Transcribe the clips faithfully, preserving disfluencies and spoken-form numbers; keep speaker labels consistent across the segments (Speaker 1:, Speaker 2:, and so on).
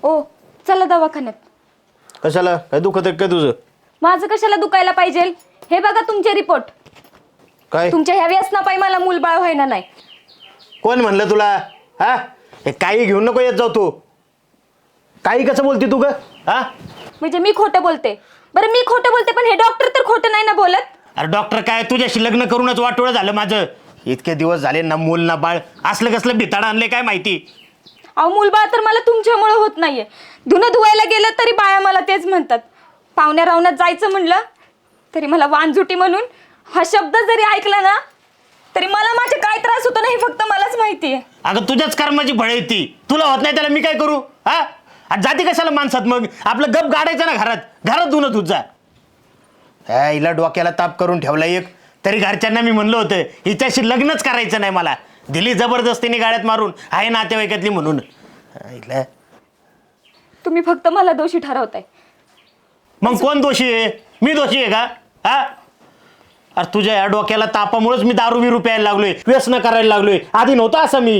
Speaker 1: ओ चला दवाखान्यात।
Speaker 2: कशाला? काय दुखत आहे काय तुझं?
Speaker 1: माझं कशाला दुखायला पाहिजे? हे बघा तुमचे रिपोर्ट।
Speaker 2: काय
Speaker 1: तुमच्या ह्या व्यसनापायी मला मूलबाळ व्हायना नाही।
Speaker 2: कोण म्हणलं तुला? हा हे काही घेऊन नको येत जाऊ तू। काही कसं बोलती तू ग? हा
Speaker 1: म्हणजे मी खोटं बोलते? बरं मी खोटं बोलते पण हे डॉक्टर तर खोटं नाही ना बोलत?
Speaker 2: अरे डॉक्टर काय, तुझ्याशी लग्न करूनच वाटोळं झालं माझं। इतके दिवस झाले ना मूल ना बाळ, असलं कसलं भिताड आणले काय माहिती।
Speaker 1: अहो मूलबाळ तर मला तुमच्यामुळे होत नाहीये। धुणं धुवायला गेलं तरी बाया मला तेच म्हणतात। पाहुण्या रावणात जायचं म्हणलं तरी मला वानझुटी म्हणून हा शब्द जरी ऐकला ना तरी मला माझे काय त्रास होतो ना हे फक्त मलाच माहिती आहे।
Speaker 2: अगं तुझ्याच कर्माची फळ आहे ती, तुला होत नाही त्याला मी काय करू? हा आणि जाती कशाला माणसात? मग आपलं गप गाडायचं ना घरात, घरात धुणं तुझा। हा हिला डोक्याला ताप करून ठेवला एक, तरी घरच्यांना मी म्हणलं होतं हिच्याशी लग्नच करायचं नाही मला। दिली जबरदस्तीने गाड्यात मारून, आहे नातेवाईकातली म्हणून। हिला
Speaker 1: तुम्ही फक्त मला दोषी ठरवताय।
Speaker 2: मग कोण दोषी आहे? मी दोषी आहे का? हा अरे तुझ्या या डोक्याला तापामुळेच मी दारू बिरू प्यायला लागलोय, व्यसन करायला लागलोय। आधी नव्हतं असं मी।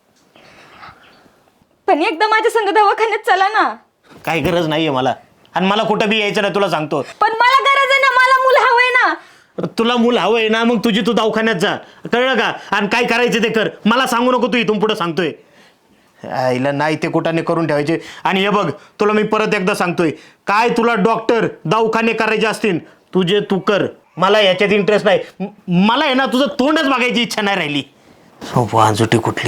Speaker 1: पण एकदा माझ्या संग दवाखान्यात चला ना।
Speaker 2: काही गरज नाहीये मला, आणि मला कुठं बी यायचं नाही तुला सांगतो।
Speaker 1: पण मला गरज आहे ना, मला मूल हवंय ना।
Speaker 2: तुला मूल हवंय ना, मग तुझी तू दवाखान्यात जा, कळलं का? आणि काय करायचं ते कर, मला सांगू नको तू इथून पुढं सांगतोय। आईला नाही ते कुठाने करून ठेवायचे। आणि हे बघ तुला मी परत एकदा सांगतोय, काय तुला डॉक्टर दवाखाने करायचे असतील तुझे तू कर, मला याच्यात इंटरेस्ट नाही। म- मला आहे ना तुझं तोंडच बघायची इच्छा नाही राहिली। वांजुटी कुठली?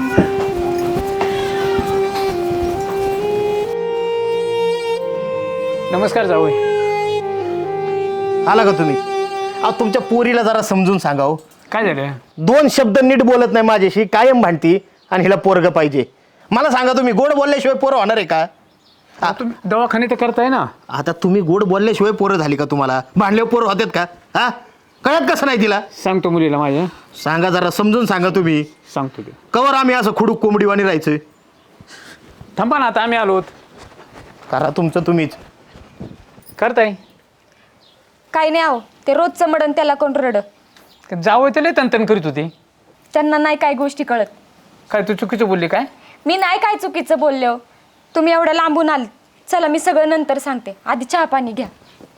Speaker 3: नमस्कार जावई।
Speaker 2: आला का तुम्ही? अहो तुमच्या पोरीला जरा समजून सांगा हो।
Speaker 3: काय झालं?
Speaker 2: दोन शब्द नीट बोलत नाही माझ्याशी, कायम भांडती, आणि हिला पोरग पाहिजे। मला सांगा तुम्ही गोड बोलल्याशिवाय पोरं होणार आहे का?
Speaker 3: हा, तुम्ही दवाखाने तर करताय ना।
Speaker 2: आता तुम्ही गोड बोलल्याशिवाय पोरं झाली का तुम्हाला? भांडल्यावर पोरं होतात का? हा कळत कसं नाही तिला?
Speaker 3: सांगतो मुलीला माझ्या।
Speaker 2: सांगा जरा समजून सांगा तुम्ही।
Speaker 3: सांगतो ते।
Speaker 2: कवर आम्ही असं खुडूक कोंबडीवाणी राहायचं?
Speaker 3: थांबा ना, आता आम्ही आलोत।
Speaker 2: करा तुमचं तुम्हीच।
Speaker 3: करताय
Speaker 1: काही नाही आहो, ते रोजचं मडण त्याला कोण रड।
Speaker 3: जावई तर लय तनतन करीत होती।
Speaker 1: त्यांना नाही काय गोष्टी कळत।
Speaker 3: काय तू चुकीचं बोलली काय?
Speaker 1: मी नाही काय चुकीचं बोलले हो। तुम्ही एवढं लांबून आल, चला मी सगळं नंतर सांगते, आधी चहा पाणी घ्या।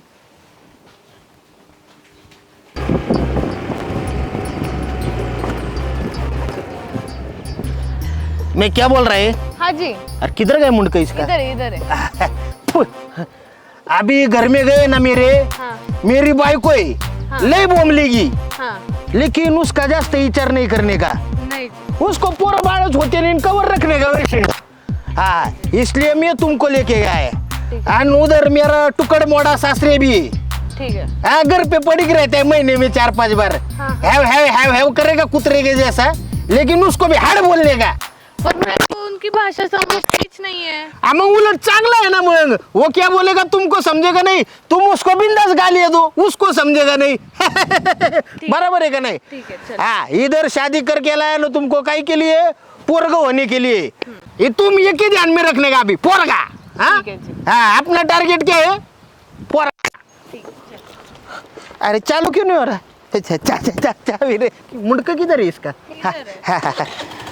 Speaker 2: मैं क्या बोल रहा है?
Speaker 4: हाँ जी,
Speaker 2: अरे किधर गए मुंडका इसका?
Speaker 4: इधर है, इधर है।
Speaker 2: फु, अभी घर में गए ना मेरे,
Speaker 4: हाँ,
Speaker 2: मेरी बाइको है,
Speaker 4: हाँ।
Speaker 2: ले बोमलेगी,
Speaker 4: हाँ,
Speaker 2: लेकिन उसका जास्त विचार नहीं करने का।
Speaker 4: नहीं,
Speaker 2: उसको पूरा बालच होते नहीं, कवर रखने का वैसे। हाँ इसलिए मैं तुमको लेके गया है। और उधर मेरा टुकड़ मोड़ा सासरे भी है।
Speaker 4: ठीक है।
Speaker 2: हाँ घर पे पड़ी रहते हैं महीने में चार पांच बार।
Speaker 4: हाँ।
Speaker 2: हैव हैव हैव हैव करेगा कुतरे के जैसा, लेकिन उसको भी हाड़ बोलने का।
Speaker 4: पर मेरे को उनकी भाषा समझती नहीं है।
Speaker 2: हाँ, मग उलट चांगला है ना। मग वो क्या बोलेगा तुमको समझेगा नहीं, तुम उसको बिंदास गाली दो, उसको समझेगा नहीं। बराबर है का नहीं?
Speaker 4: ठीक है, चलो।
Speaker 2: हाँ इधर शादी करके लाया ना तुमको काहे के लिए? पोरगा होने के लिए। ये तुम ये के ध्यान में रखने का अभी पोरगा। हाँ
Speaker 4: ठीक है जी।
Speaker 2: हाँ अपना टारगेट क्या है? पोरगा।
Speaker 4: ठीक है, चलो।
Speaker 2: अरे चालू क्यों नहीं हो रहा? अच्छा चा चा चा चा मेरे मुंडका किधर है इसका? हाँ,
Speaker 4: इधर है।
Speaker 2: हाँ, हाँ, हाँ।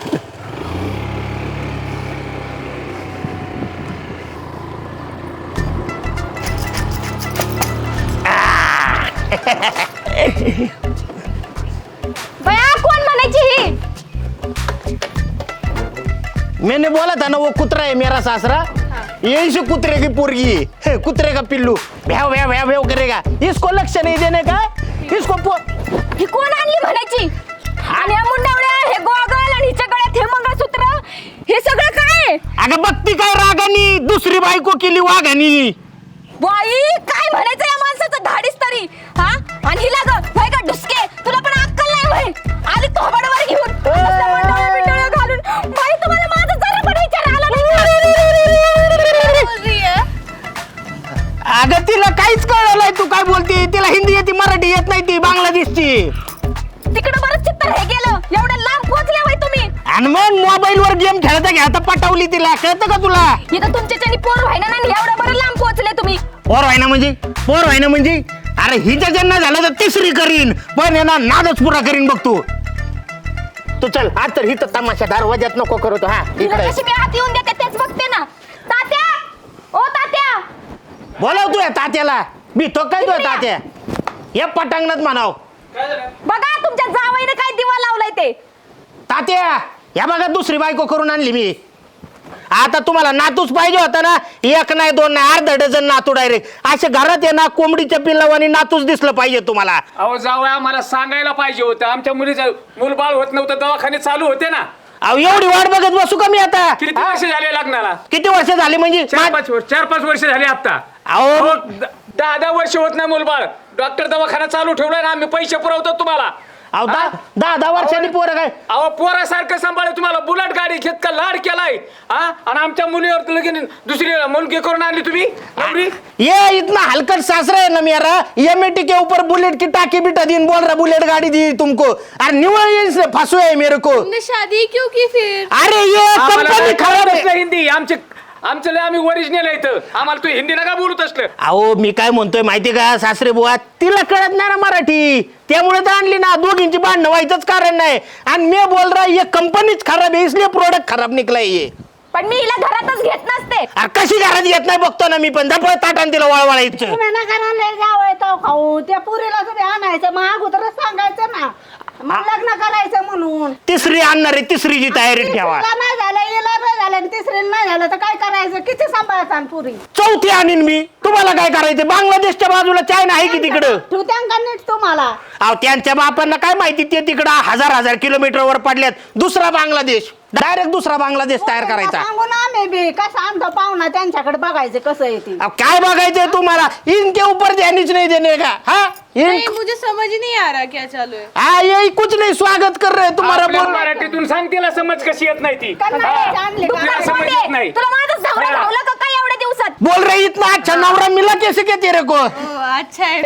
Speaker 1: बया कोण म्हणायची ही?
Speaker 2: मैंने बोला था ना वो कुतरा है मेरा सासरा। यही से कुतरे की पोरगी है, कुतरे का पिल्लू भ्याव भ्याव भ्याव भ्याव करेगा। इसको लक्ष्य नहीं देने का, इसको पो...
Speaker 1: ही कोण आणली म्हणायची? आणि या मुंडावळ्या, हे गोगल आणि हिच्या गळ्यात हे मंगळसूत्र, हे सगळं काय आहे?
Speaker 2: अगं बघती काय रागानी, दुसरी बायको केली वाघानी।
Speaker 1: बाई काय म्हणायचं या माणसाचं धाडीस तरी? हा आणि हिला ग होय का ढुसके, तुला पण अक्कल नाही होय? आली थोबाडावर घेऊन नुसतं मंडोळ्या बिंडोळ्या घालून। बाई तुम्हाला माझा जरा पण विचार आला नाही का?
Speaker 4: बोल रही है?
Speaker 2: अगं तिला काहीच कळलं नाही तू काय बोलते। तिला हिंदी येते, मराठी येत नाही, ती बांगलादेशची।
Speaker 1: तिकडे बरं चित्तर हे गेलं, एवढं लांब पोहोचले होय तुम्ही?
Speaker 2: आणि मग मोबाईल वर गेम खेळता खेळता पटवली तिला, कळतं का तुला?
Speaker 1: इथं तुमच्याच्यानी पोर व्हायना नाही, एवढं बरं लांब पोहोचले तुम्ही।
Speaker 2: पोर व्हायना म्हणजे? पोर व्हायना म्हणजे? अरे हिच्या जन्म झाला तर तिसरी करीन, पण ना नादच पुरा करीन बघ तू। तू चल आज तर हिथं तमाशा दरवाज्यात नको करतो। हा
Speaker 1: तिला
Speaker 2: इकडे
Speaker 1: कशी मी आत येऊन देते तेच बघते ना। तात्या
Speaker 2: बोलाव तू या तात्याला मी तो काय तू तात्या या पटांगणात म्हणाव.
Speaker 1: बघा तुमच्या जावईने काय दिवा लावलाय ते.
Speaker 2: तात्या या बघा दुसरी बायको करून आणली मी. आता तुम्हाला नातूच पाहिजे होता ना, एक नाही दोन नाही अर्धा डझन नातू डायरेक्ट असे घरात आहे ना, कोंबडीच्या पिल्लावानी नातूच दिसलं पाहिजे तुम्हाला.
Speaker 3: अहो जावं आम्हाला सांगायला पाहिजे होतं. आमच्या मुलीचं मूलबाळ होत नव्हतं, दवाखाने चालू होते ना.
Speaker 2: अहो एवढी वाट बघत बसू का मी आता.
Speaker 3: किती वर्ष झाले लग्नाला?
Speaker 2: किती वर्ष झाली म्हणजे
Speaker 3: चार पाच वर्ष चार पाच वर्ष झाले आता.
Speaker 2: अहो
Speaker 3: अहो, द- दहा दहा वर्ष होत नाही मूलबाळ. डॉक्टर दवाखाना चालू ठेवलाय ना, आम्ही पैसे पुरवतो तुम्हाला.
Speaker 2: अहो दहा
Speaker 3: हा?
Speaker 2: दहा दहा वर्षांनी पोरं काय.
Speaker 3: अहो पोरासारखं सांभाळ तुम्हाला. बुलेट गाडी घेत का लाड केलाय हा, आणि आमच्या मुलीवर लगेच दुसरी मुलगी करून आणली तुम्ही नवरी.
Speaker 2: ये इतना हलकट सासरा है ना मेरा, एमएटी के ऊपर बुलेट की टाकी बिठा दी बोल रहा बुलेट गाड़ी दी तुमको और निवल ये फंसो है मेरे को.
Speaker 4: तुमने शादी क्यों की फिर?
Speaker 2: अरे ये
Speaker 3: आम्हाला
Speaker 2: कंपनी
Speaker 3: काय
Speaker 2: खराब
Speaker 3: कळत
Speaker 2: है.
Speaker 3: नसलं हिंदी. आमचे आमचं लय आम्ही ओरिजिनल आहे इथं. आम्हाला तू हिंदी नका बोलत असलं.
Speaker 2: अहो मी काय म्हणतोय माहिती का सासरे बुवा, तिला कळत नाही ना मराठी, त्यामुळे तर आणली ना. दोघींची भांडणं व्हायचंच कारण नाही. आणि मी बोल रहा ये कंपनीच खराब है इसलिए प्रोडक्ट खराब निकला ये.
Speaker 1: पण मी हिला घरातच घेत नसते.
Speaker 2: अरे कशी घरात येत नाही बघतो ना मी पण. दपळ ताटान तिला वळवळायचं.
Speaker 5: तुम्ही नका ना लय जावं तो खाऊ त्या पुरीला तुम्ही आणायचं मग अगोदरच सांगायचं ना, मग लग्न करायचं म्हणून.
Speaker 2: तिसरी आणणार आहे, तिसरीची तयारी ठेवा.
Speaker 5: तिसरीला नाही झालं हिला नाही झालं आणि तिसरीला नाही झालं तर काय करायचं? किती सांभाळायचं आणि पुरी?
Speaker 2: चौथी आणीन मी. तुम्हाला काय करायचं? बांगलादेशच्या बाजूला चायना आहे की तिकडं.
Speaker 5: तू त्यांना नीट तुम्हाला
Speaker 2: अहो त्यांच्या बापांना काय माहिती, ते तिकडं हजार हजार किलोमीटर वर पडल्यात. दुसरा बांगलादेश, डायरेक्ट दुसरा बांगलादेश तयार करायचा.
Speaker 5: सांगून आम्ही बी कसं आणतो पाहुणा त्यांच्याकडे बघायचं कसं येते.
Speaker 2: अब काय बघायचंय तुम्हाला? इनके ऊपर ध्यानच नहीं देने का. हाँ
Speaker 4: नहीं
Speaker 2: इन
Speaker 4: मुझे समझ ही नहीं आ रहा क्या चालू है.
Speaker 2: हाँ यही कुछ नहीं स्वागत कर रहे हैं तुम्हारा.
Speaker 3: आपल्या
Speaker 2: बोल
Speaker 3: मराठीतून सांग तिला समज कशी येत नाही ती.
Speaker 5: कन्नडची आणली का?
Speaker 3: तिला समज येत नाही.
Speaker 1: तुला माझं धावलं
Speaker 3: हा.
Speaker 1: धावलं का काय एवढ्या दिवसात?
Speaker 2: बोल रही इतना अच्छा नवरा मिला कैसे क्या तेरे को.
Speaker 4: ओ अच्छा है.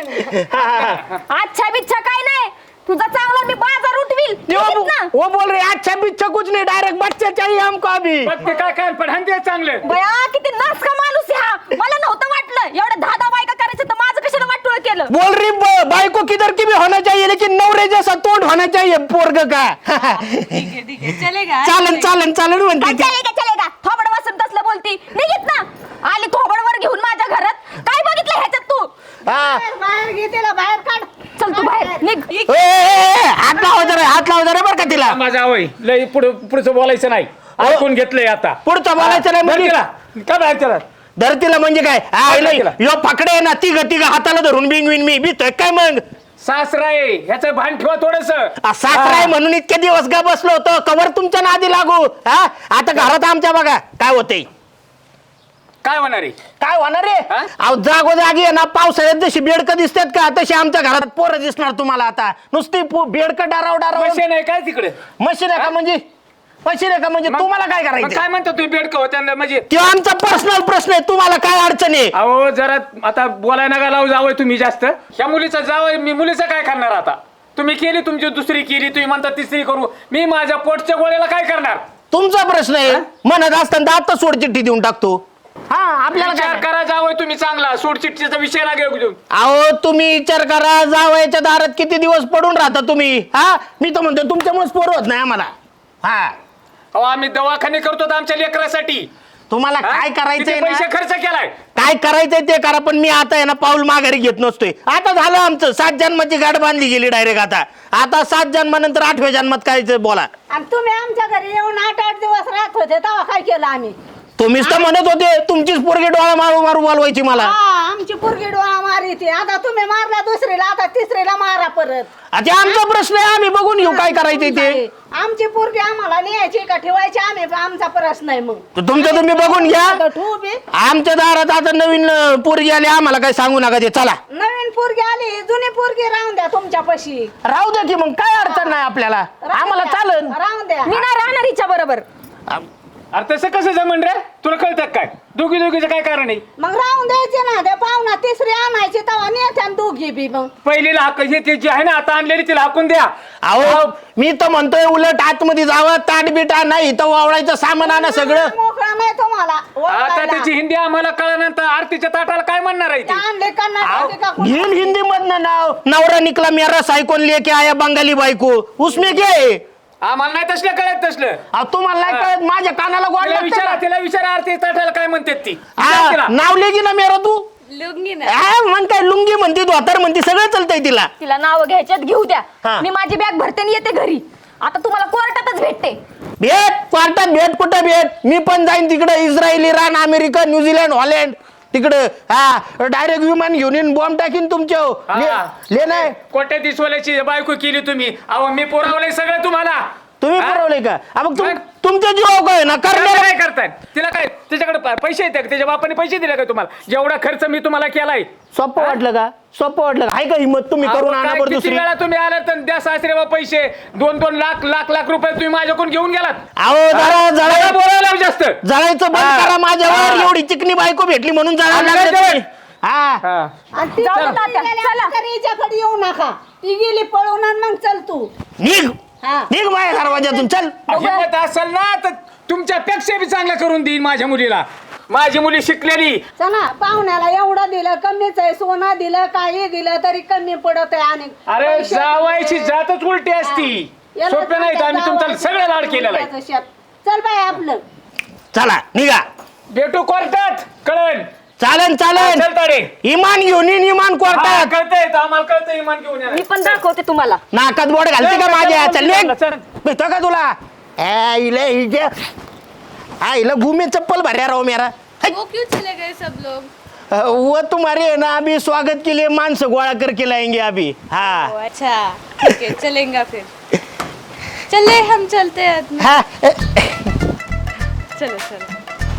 Speaker 1: अच्छा बिच्छा काय नाही, तुझा चांगला मी बाजार उठवील.
Speaker 2: वो,
Speaker 1: निघित ना.
Speaker 2: वो बोल रहे अच्छा बिच्छा कुछ नहीं, डायरेक्ट बच्चे चाहिए हमको अभी.
Speaker 3: बघ ते काय काय पण हंते चांगलं.
Speaker 1: बया किती नास का माणूस आहे हा. मला नव्हतं वाटलं एवढं दहा दहा बायका करायचं तर माझं कशाला वाटोळ केलं.
Speaker 2: बोल रही ब- बाइको किधर की भी होना चाहिए लेकिन नवरे जैसा तोंड होना चाहिए पोरग का.
Speaker 4: ठीक है ठीक है चलेगा.
Speaker 2: चालन चालन चालन म्हणते
Speaker 1: काय
Speaker 2: ती.
Speaker 1: चलेगा चलेगा थोबड वासून तसलं बोलती. निघित ना. आली थोबडवर घेऊन माझ्या घरात. काय बघितलं ह्याच्यात तू?
Speaker 2: हा.
Speaker 5: बाहेर बाहेर घे तिला बाहेर काढ.
Speaker 1: चल तू बाहेर निघ.
Speaker 2: ए, ए, ए, हात लावा जरा, हात लावा जरा बरं का तिला.
Speaker 3: माझा आवय लय पुढे पुढचं बोलायचं नाही. ऐकून घेतलंय आता.
Speaker 2: पुढचं बोलायचं नाही
Speaker 3: बरं
Speaker 2: म्हणजे
Speaker 3: तिला. काय बाहेर त्याला
Speaker 2: धरतीला म्हणजे काय. आ,
Speaker 3: धर
Speaker 2: लय,
Speaker 3: तिला.
Speaker 2: यो पकडे ना तिघ तिघ हाताला धरून बिंग बिन मी भीतोय काय मग.
Speaker 3: सासरा आहे ह्याचं भान ठेवा थोडस.
Speaker 2: आ, सासरा आहे म्हणून इतके दिवस गा बसलो होतो, कवर तुमच्या नादी लागू. हा आता घरात आमच्या बघा काय होतंय.
Speaker 3: काय होणार आहे?
Speaker 2: काय होणार रे.
Speaker 3: हा?
Speaker 2: अहो जागोजागी आहे ना, पावसाळ्यात जशी बेडकं दिसतात का तशी आमच्या घरात पोरं दिसणार तुम्हाला आता. नुसती पो- बेडकं डाराव डाराव.
Speaker 3: मशीन आहे काय तिकडे?
Speaker 2: मशीन आहे का म्हणजे? मशीन आहे का म्हणजे?
Speaker 3: मग-
Speaker 2: तुम्हाला काय
Speaker 3: मग
Speaker 2: करायचं?
Speaker 3: काय म्हणता तुम्ही बेडकं होत्या म्हणजे?
Speaker 2: तो आमचा पर्सनल प्रश्न आहे, तुम्हाला काय अडचण आहे?
Speaker 3: अहो जरा आता बोलायला नका लावू जावं तुम्ही जास्त. ह्या मुलीचं जावं मी मुलीचं काय करणार आता? तुम्ही केली तुमची दुसरी केली, तुम्ही म्हणता तिसरी करू. मी माझ्या पोटच्या गोळ्याला काय करणार?
Speaker 2: तुमचा प्रश्न आहे. म्हणत असताना आता सोड चिठ्ठी देऊन टाकतो. हा आपल्याला
Speaker 3: विचार
Speaker 2: काय.
Speaker 3: करा जावं तुम्ही चांगला. सोडचिठ्ठीचा विषय ना घेऊ.
Speaker 2: अहो तुम्ही विचार करा, जावयाच्या दारात किती दिवस पडून राहता तुम्ही. हा मी तर म्हणतो तुमच्यामुळेच पोरं होत नाही आम्हाला. हा
Speaker 3: अहो आम्ही दवाखाने करतो आमच्या लेकरासाठी.
Speaker 2: तुम्हाला
Speaker 3: हा?
Speaker 2: काय
Speaker 3: किती
Speaker 2: करायचंय
Speaker 3: पैसे
Speaker 2: ना,
Speaker 3: खर्च केलाय.
Speaker 2: काय करायचंय ते करा, पण मी आता आहे ना पाऊल माघारी घेत नसतोय. आता झालं आमचं सात जन्माची गाठ बांधली गेली डायरेक्ट. आता आता सात जन्मानंतर आठव्या जन्मात काय ते बोला.
Speaker 5: आणि तुम्ही आमच्या घरी येऊन आठ आठ दिवस राहत होते तेव्हा काय केलं आम्ही?
Speaker 2: तुम्हीच तर म्हणत होते तुमचीच पोरगी डोळा मारू मारू बोलवायची मला.
Speaker 5: हा आमची पोरगी डोळा मारी ती. आता तुम्ही मारला दुसरीला, आता तिसरीला मारा परत.
Speaker 2: आता आमचा प्रश्न आहे, आम्ही बघून घेऊ काय करायचंय ते.
Speaker 5: आमची पोरगी आम्हाला न्यायची का ठेवायची आम्ही आमचा प्रश्न आहे. मग
Speaker 2: तर तुमचं तुम्ही बघून घ्या.
Speaker 5: ठेवू बी.
Speaker 2: आमच्या दारात आता नवीन अं, पोरगी आली, आम्हाला काय सांगू नका ते. चला
Speaker 5: नवीन पोरगी आली, जुनी पोरगी राहून द्या तुमच्या पशी.
Speaker 2: राहू द्या की मग काय अडचण नाही आपल्याला. आम्हाला चालन.
Speaker 5: राहून द्या.
Speaker 1: मी नाही राहणार हिच्या बरोबर.
Speaker 3: अरे तसं कसं जमन रे? तुला कळतं काय? दोघी दोघीचं काय कारण आहे?
Speaker 5: मग राहून द्यायचे ना. त्या पाहुणा तिसरी आणायची तेव्हा नेत्या दोघी बी. मग
Speaker 3: पहिलीला हाक हे ते जी आहे ना आता आणलेली तिला हाकून द्या.
Speaker 2: अहो मी तर म्हणतोय उलट आतमध्ये जावं, ताट बिटा नाही तर वावळायचं सामान आणा सगळं.
Speaker 5: मोकळा नाही तुम्हाला
Speaker 3: आता
Speaker 5: ओळखायला.
Speaker 3: त्याची हिंदी आम्हाला कळल्यानंतर आरतीच्या ताटाला काय म्हणणार आहे
Speaker 5: त्या
Speaker 3: ती?
Speaker 5: आणले कर्नाटकाचे का कोण?
Speaker 2: घेईल हिंदी मधनं नाव. नवरा निकला मेरा सायकोन लेके आया बंगाली बायको, उसमें क्या है?
Speaker 3: आम्हाला नाही तसलं कळत तसलं.
Speaker 2: अहो, तुम्हाला नाही कळत, माझ्या कानाला गोड
Speaker 3: तिला
Speaker 2: लागतं
Speaker 3: विचारा
Speaker 2: ना.
Speaker 3: तिला विचारा आरती ताटाला काय म्हणतात ती.
Speaker 2: हा,
Speaker 3: विचार तिला.
Speaker 2: नाव लेगी ना मेरा तू.
Speaker 4: लुंगी ना
Speaker 2: आ, मग काय लुंगी म्हणते धोतर म्हणते सगळं चालतंय तिला.
Speaker 1: तिला नाव घ्यायच्यात घेऊ द्या.
Speaker 2: हा.
Speaker 1: मी माझी बॅग भरते आणि येते घरी. आता तुम्हाला कोर्टातच भेटते.
Speaker 2: भेट क्वार्टात भेट कुठं भेट मी पण जाईन तिकडं Israel Iran America New Zealand Holland तिकडं हा डायरेक्ट विमान घेऊन येईन बॉम्ब टाकीन तुमच्या
Speaker 3: हा.
Speaker 2: ले नाही
Speaker 3: कोट्या दिसवाल्याची बायको केली तुम्ही. अहो मी पुरवलंय सगळं तुम्हाला.
Speaker 2: तुम्ही
Speaker 3: हा?
Speaker 2: पुरवले का आ, मग तुम-
Speaker 3: मग?
Speaker 2: तुमच्या जीव काय ना
Speaker 3: काय
Speaker 2: करणार
Speaker 3: काय करताय तिला काय त्याच्याकडे प- पैसे येतात त्याच्या बापाने पैसे दिले का तुम्हाला जेवढा खर्च मी तुम्हाला केलाय.
Speaker 2: सोपं वाटलं का सोपं वाटलं का? आहे का हिंमत तुम्ही
Speaker 3: अहो,
Speaker 2: करून आणा
Speaker 3: काय
Speaker 2: बरं
Speaker 3: किती
Speaker 2: दुसरी
Speaker 3: वेळा तुम्ही आलात तर द्या सासरे बा पैसे दोन दोन लाख लाख लाख रुपये तुम्ही माझ्याकडून घेऊन गेलात.
Speaker 2: अहो जरा
Speaker 3: नका
Speaker 2: जळा
Speaker 3: बोलायला जास्त.
Speaker 2: जळायचं बंद
Speaker 3: हा.
Speaker 2: करा माझ्यावर
Speaker 3: हा.
Speaker 2: एवढी चिकनी बायको भेटली म्हणून जळायला
Speaker 3: आम्ही
Speaker 2: लागले
Speaker 3: नाही
Speaker 2: तुम्ही. हा
Speaker 3: हा.
Speaker 5: आणि ती
Speaker 1: जाऊ दे
Speaker 5: पळून
Speaker 1: तात्या,
Speaker 5: गेल्यानंतर
Speaker 1: चला.
Speaker 5: हिच्याकडे येऊ नका. ती गेली पळून आणि मग चल तू.
Speaker 2: निघ
Speaker 5: हा.
Speaker 2: निघ माझ्या दरवाजातून चल
Speaker 3: हिंमत असेल ना तर तुमच्यापेक्षा बी चांगलं करून देईन माझ्या मुलीला. माझी मुली शिकलेली.
Speaker 5: चला पाहुण्याला एवढं दिलं कमीच आहे सोनं दिलं काही दिलं तरी कमी पडत आहे आणि
Speaker 3: अरे
Speaker 5: पैसे-
Speaker 3: जावायची जातच उलटी असती.
Speaker 5: याला
Speaker 3: सोपे नाही तर आम्ही तुमचं
Speaker 5: जावायचं
Speaker 3: सगळं लाड केलेलं आहे.
Speaker 5: त्याचं शेत. चल बाय आपलं
Speaker 2: चला निघा
Speaker 3: भेटू कोर्टात कळण.
Speaker 2: चालन चालन
Speaker 3: चल ताडे.
Speaker 2: इमान घेऊन येईन इमान
Speaker 3: हा,
Speaker 2: कोर्टात
Speaker 3: कळतंय तर आम्हाला कळतंय इमान घेऊन या.
Speaker 1: मी पण दाखवते तुम्हाला.
Speaker 2: नाकात बोट घालते का माझ्या चल निघ
Speaker 3: चल.
Speaker 2: भेटतो का तुला ए, इले हिजे हा इला घुमे चप्पल भर्या राहो मेरा
Speaker 4: वो क्यों चले गए सब लोग?
Speaker 2: वो तुम्हारे है ना अभी स्वागत के लिए मानस गोळा करके लाएंगे अभी हाँ
Speaker 4: ओ, अच्छा ठीक है चलेंगे फिर. चले हम चलते हैं आदमी.
Speaker 2: हाँ
Speaker 4: चलो चलो.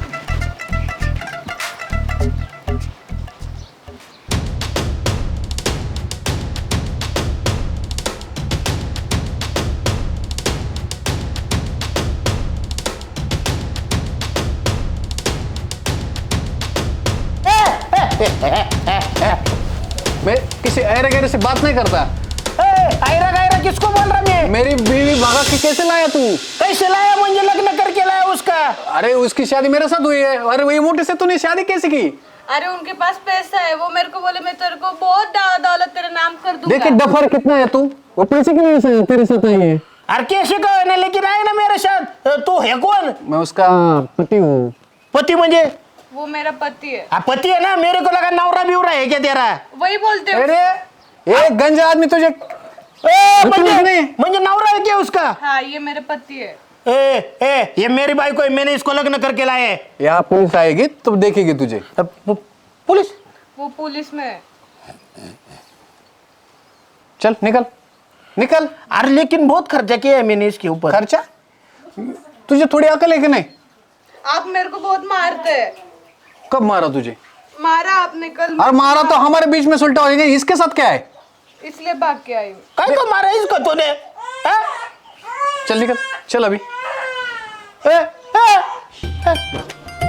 Speaker 6: मैं किसी ऐरे गैरे से बात नहीं करता.
Speaker 2: आयरा गायरा किसको बोल रहा मैं
Speaker 6: मेरी बीवी भगा के कैसे लाया तू?
Speaker 2: कैसे लाया मुझे लग्न करके लाया उसका
Speaker 6: अरे उसकी शादी मेरे साथ हुई है. अरे वही मोटे से तूने शादी कैसे की?
Speaker 4: अरे उनके पास पैसा है वो मेरे को बोले मैं तेरे को बहुत दा- दौलत तेरा नाम कर दूंगा.
Speaker 6: देख डफर कितना है तू. वो पैसे की वजह से तेरे साथ आई है.
Speaker 2: अरे कैसे कहो ना लेकिन आए ना मेरे साथ तू है कौन
Speaker 6: मैं उसका पति हूँ.
Speaker 2: पति मुझे
Speaker 4: वो मेरा पति है.
Speaker 2: आ, पति है ना मेरे को लगा नवरा बिवरा है क्या तेरा
Speaker 4: वही बोलते हो.
Speaker 6: अरे एक गंजा आदमी तुझे
Speaker 2: ए,
Speaker 6: रुको
Speaker 2: म्हणजे
Speaker 6: नहीं.
Speaker 2: म्हणजे नवरा है क्या उसका
Speaker 4: हाँ ये मेरे पति है.
Speaker 2: ए ए ये मेरी बाइको है मैंने इसको लग्न करके लाया है
Speaker 6: यहाँ पुलिस आएगी तब देखेगी तुझे.
Speaker 2: अब पु- पुलिस
Speaker 4: वो पुलिस में है.
Speaker 6: चल निकल निकल.
Speaker 2: अरे लेकिन बहुत खर्चा किया है मैंने इसके ऊपर
Speaker 6: खर्चा तुझे थोड़ी अकल है कि नहीं?
Speaker 4: आप मेरे को बहुत मारते हैं.
Speaker 6: कब मारा तुझे?
Speaker 4: मारा आपने कल.
Speaker 6: और मारा तो हमारे बीच में सुलटा हो जाएगा. इसके साथ क्या है?
Speaker 4: इसलिए भाग के आई हूँ.
Speaker 2: काय को मारा इसको तूने हाँ?
Speaker 6: चल निकल चल अभी.
Speaker 2: ए, ए, ए.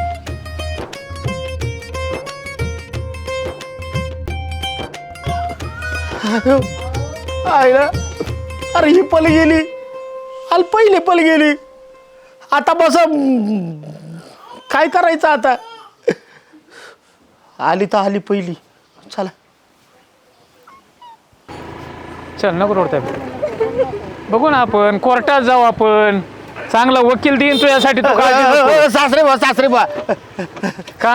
Speaker 2: आईला अरे ही पल गेली अरे पहिले पल गेली आता बस काय करायचं आता आली तर आली पहिली चला
Speaker 3: चल नको रोडताय. बघू ना आपण कोर्टात जाऊ आपण. चांगला वकील देईन तुझ्यासाठी तू काळजी नको करू.
Speaker 2: सासरे बा सासरे बा
Speaker 3: का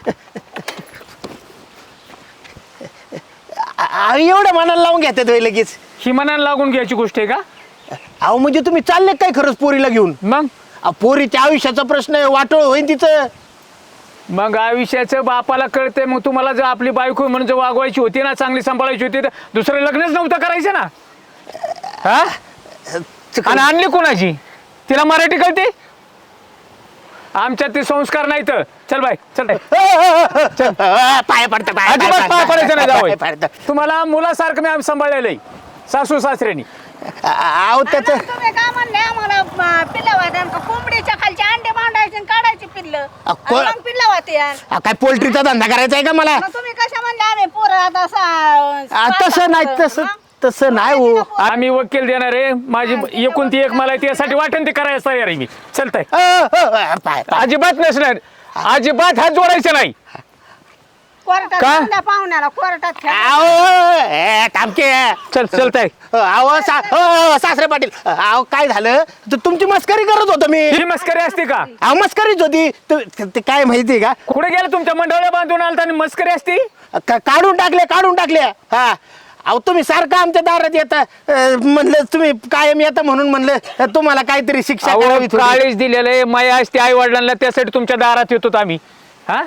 Speaker 2: आ- एवढं मनाला लावून घेतात होय लगेच
Speaker 3: ही मनाला लागून घ्यायची गोष्ट आहे का?
Speaker 2: अहो म्हणजे तुम्ही चालले काय खरंच पोरीला घेऊन
Speaker 3: मग
Speaker 2: अहो, पोरीच्या आयुष्याचा प्रश्न आहे वाटोळ होईन तिचं
Speaker 3: मग आयुष्याचं बापाला कळतंय. मग तुम्हाला जर आपली बायको म्हणून जर वागवायची होती ना चांगली सांभाळायची होती तर दुसरं लग्नच नव्हतं करायचं ना. हा आणि आणली कोणाची? तिला मराठी कळते? आमच्यात ते संस्कार नाही तर चल बाय चल बाय.
Speaker 2: पाय पडतं पाय
Speaker 3: अजिबात पाय पडायचं नाही
Speaker 2: पाय
Speaker 3: जावई.
Speaker 2: पडतं.
Speaker 3: तुम्हाला मुलासारखं मी आम्ही सांभाळलेलं आहे सासू सासऱ्यांनी.
Speaker 2: अहो त्याचं
Speaker 5: आणि तुम्ही काय म्हणले आम्हाला म, पिल्लं वाटन का कोंबडीच्या खालचे अंडे मांडायचे आणि काढायचे पिल्लं
Speaker 2: अ,
Speaker 5: आणि
Speaker 2: को-
Speaker 5: मग पिल्लं वाटे यार.
Speaker 2: अ, काय पोल्ट्रीचा धंदा करायचा आहे का मला
Speaker 5: मग तुम्ही कशा म्हणले आम्ही पोरं आता
Speaker 2: अ, तसं नाही तसं तसं नाही हो
Speaker 3: आम्ही वकील देणार आहे. माझी एकूण ती एक मला आहे, त्यासाठी वाटेल ते करायला तयार आहे मी. चलताय
Speaker 2: अ, अ, अ, पाय पाय
Speaker 3: अजिबात नसणार. अजिबात हात जोडायचे नाही.
Speaker 5: कोर्टात
Speaker 3: का?
Speaker 5: जाऊन द्या पाहुण्याला कोर्टात खेळा.
Speaker 2: अहो ए, थांबके
Speaker 3: चल चलताय
Speaker 2: अहो सा अहो, सासरे पाटील अहो काय झालं तु- तुमची मस्करी करत होतो मी
Speaker 3: ही मस्करी असते का?
Speaker 2: अहो मस्करीच होती तु- ते काय माहिती का
Speaker 3: कुठे गेलं तुमच्या मंडळाला बांधून आलता आणि मस्करी असती?
Speaker 2: का- काढून टाकले काढून टाकले हा अहो तुम्ही सारखं आमच्या दारात येता अं, म्हणलं तुम्ही कायम येता म्हणून म्हणलं अं, तुम्हाला काहीतरी शिक्षा
Speaker 3: अहो,
Speaker 2: करावी थोडी.
Speaker 3: काळीच दिलेलं आहे माया असते आई वडिलांना त्यासाठी तुमच्या दारात येतो आम्ही हा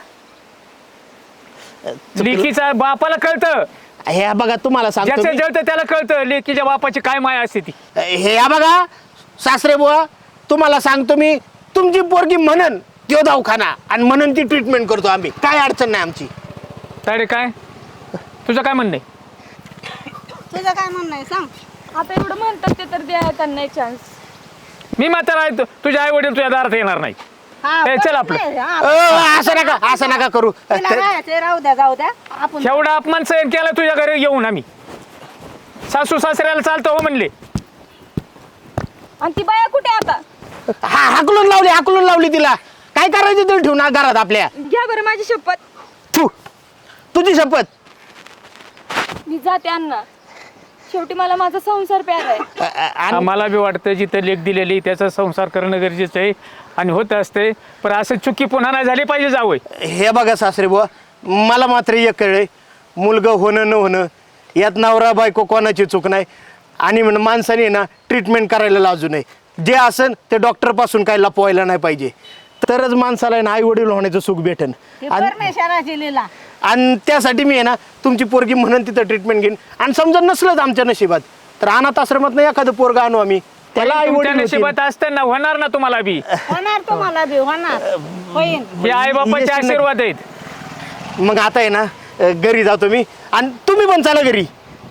Speaker 3: लेकीचा बापाला कळतं
Speaker 2: हे बघा तुम्हाला सांगतो
Speaker 3: ज्याचं
Speaker 2: मी.
Speaker 3: जळतं त्याला कळतं लेकीच्या बापाची काय माया असते ती.
Speaker 2: हे या बघा सासरे बुवा तुम्हाला सांगतो मी तुमची पोरगी म्हणन त्यो दवाखाना आणि म्हणून ती ट्रीटमेंट करतो आम्ही काय अडचण नाही आमची
Speaker 3: ताडे काय तुझं काय म्हणणं आहे?
Speaker 5: तुझं काय म्हणणं आहे सांग.
Speaker 1: आता एवढं म्हणतात ते तर द्या त्यांना एक चान्स.
Speaker 3: मी म्हातारा आहे तु- तुझे आई वडील तुझ्या दारात येणार नाही.
Speaker 5: हा,
Speaker 3: ए, चल
Speaker 5: परत
Speaker 3: आपलं.
Speaker 5: नाही, हा.
Speaker 2: अ, असं नका असं नका करू
Speaker 5: तिला राहायचंय, राहू द्या जाऊ द्या आपण
Speaker 3: एवढा अपमान सहन केला तुझ्या घरी येऊन आम्ही सासू सासऱ्याला चालतं हो म्हणले.
Speaker 1: आणि ती बाया कुठे आता?
Speaker 2: हा हाकलून लावली हाकलून लावली तिला काय करायचं तरी ठेवून घरात आपल्या
Speaker 1: घ्या बरं माझी शपथ.
Speaker 2: तू तुझी शपथ
Speaker 1: मी जाते अण्णा. शेवटी मला माझा संसार प्यारा आहे.
Speaker 2: अ, अ, आणि
Speaker 3: आम्हाला बी वाटतं जिथं लेख दिलेली त्याचा संसार करणं गरजेचं आहे आणि होत असते पण असं चुकी पुन्हा नाही झाली पाहिजे जावं.
Speaker 2: हे बघा सासरे बुवा मला मात्र एक कळलंय मुलगा होणं न होणं यात नवरा बायको कोणाची चूक नाही आणि म्हण माणसाने ना ट्रीटमेंट करायला लाजू नये जे असन ते डॉक्टरपासून काय लपवायला नाही पाहिजे तरच माणसाला ना आई वडील होण्याचं सुख भेटेन
Speaker 5: ती
Speaker 2: आणि
Speaker 5: परमेश्वराची लीला.
Speaker 2: आणि त्यासाठी मी आहे ना तुमची पोरगी म्हणून तिथं ट्रीटमेंट घेईन आणि समजा नसलंच आमच्या नशिबात तर अनाथ आश्रमात नाही एखादं पोरगा आणू आम्ही त्याला आई
Speaker 3: तुमच्या
Speaker 2: वडील
Speaker 3: नशिबात असताना होणार ना तुम्हाला बी.
Speaker 5: होणार तुम्हाला बी होणार होईन.
Speaker 3: हे आई बापाचे
Speaker 2: येशील ना-
Speaker 3: आशीर्वाद आहेत.
Speaker 2: मग आता आहे ना अ, घरी जातो मी आणि तुम्ही पण चाला घरी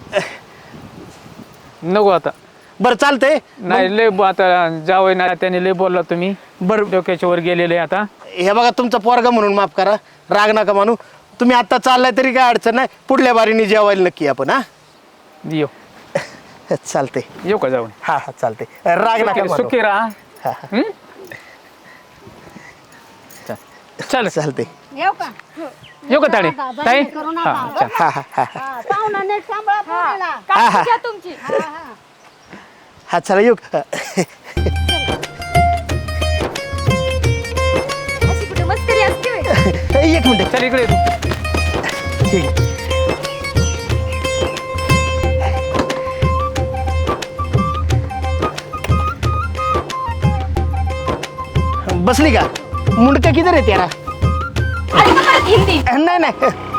Speaker 3: नको आता
Speaker 2: बरं चालतंय
Speaker 3: नाही लय ब- आता जावं ना त्याने लय बोलला तुम्ही
Speaker 2: बरं
Speaker 3: डोक्याच्या वर गेलेले आता.
Speaker 2: हे बघा तुमचा पोरगा म्हणून माफ करा राग नका मानू तुम्ही आता चाललाय तरी काय अडचण नाही पुढल्या बारीने जेवायला नक्की आपण हा
Speaker 3: येऊ
Speaker 2: चालतंय
Speaker 3: येऊ का जाऊन
Speaker 2: हा हा चालतंय राग नका
Speaker 3: सुखी-
Speaker 2: मानू.
Speaker 3: सुखी राहा. हं? चल. चल
Speaker 2: चालतंय
Speaker 5: येऊ का?
Speaker 3: येऊ का ताडे
Speaker 5: नका, बंद
Speaker 3: ताई
Speaker 5: करू नका.
Speaker 3: हा चल.
Speaker 2: हा हा हा
Speaker 5: हा, पाहुणा नीट सांभाळा पोरीला.
Speaker 1: काळजी घ्या तुमची.
Speaker 5: हा, हा.
Speaker 2: हा चला येऊ
Speaker 1: अशी कुठे मस्करी असते होय?
Speaker 2: एक मिनिट
Speaker 3: चल इकडे ये तू.
Speaker 2: ठीक बसली का मुंडका किधर आहे त्याला
Speaker 1: अरे बाबा, हिंदी.
Speaker 2: नाही नाही